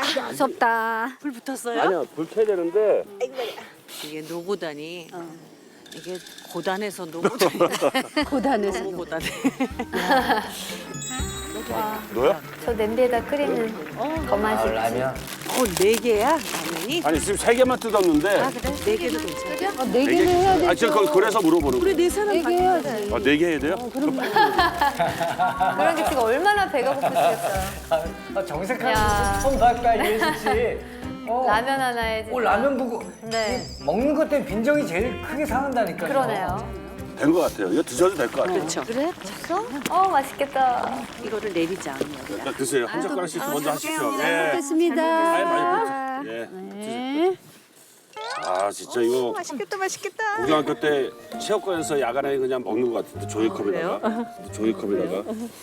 무섭다. 불 붙었어요? 아니야, 불 켜야 되는데. 이게 노고단이 이게 고단해서 노고단이 고단해서. 너무 고단해. 너야? 저 냄비에다 끓이는 더 맛있지. 라면. 4개야 라면이? 아니, 지금 3개만 뜯었는데. 아 그래? 4개도 괜찮아. 4개를 해야 돼. 아, 제가 그래서 물어보는 거예요. 우리 4사람 4개 해야지. 아, 4개 해야 돼요? 그런 게 지금 얼마나 배가 고프시겠어요. 정색하는 야. 거 처음 봤다, 이혜진 씨. 라면 하나에 지금. 라면 보고. 네. 먹는 것 때문에 빈정이 제일 크게 상한다니까요. 그러네요. 된 것 같아요. 이거 드셔도 될 것 같아요. 그렇죠. 그래? 맛있어? 맛있겠다. 이거를 내리자 여기다. 자, 드세요. 한 젓가락씩 먼저 하십시오. 예. 먹겠습니다. 아예 많이 드세요. 예. 드세요. 아, 진짜 이거 맛있겠다 맛있겠다. 고등학교 때 체육관에서 야간에 그냥 먹는 것 같은데 종이컵에다가. 종이컵에다가.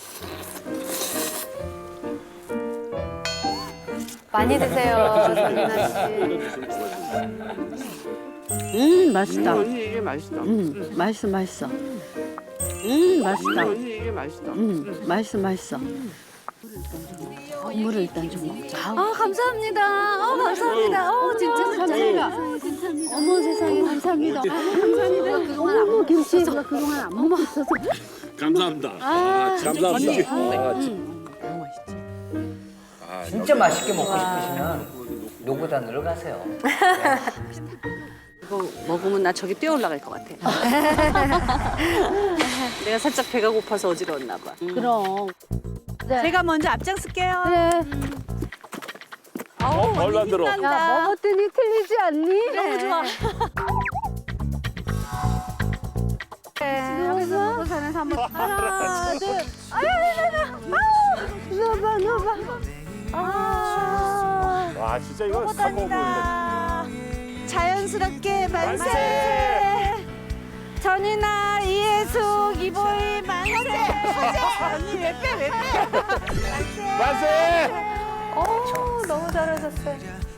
많이 드세요, 정민아 씨. 맛있다. 언니 이게 맛있다. 맛있어, 맛있어. 맛있다. 언니 이게 맛있다. 맛있어. 물을 일단 좀 먹자. 아, 감사합니다. 감사합니다. 진짜. 어머, 세상에, 감사합니다. 감사합니다. 어머, 김치가 그동안 안 먹었어서. 감사합니다. 감사합니다. 너무 맛있지. 진짜 맛있게 먹고 싶으시면 노고단으로 가세요. 이거 먹으면 나 저기 뛰어 올라갈 것 같아. 내가 살짝 배가 고파서 어지러웠나 봐. 그럼. 제가 먼저 앞장설게요. 그래. 얼른 안 들어. 야, 먹었더니 틀리지 않니? 너무 좋아. 여기서 먹고 사는 한번 하나, 둘. 넣어봐. 와, 진짜 이거 사고 보는데. 자연스럽게 만세. 전이나 이혜숙 이보희 만세. 언니 왜 빼? 만세! 너무 잘하셨어요.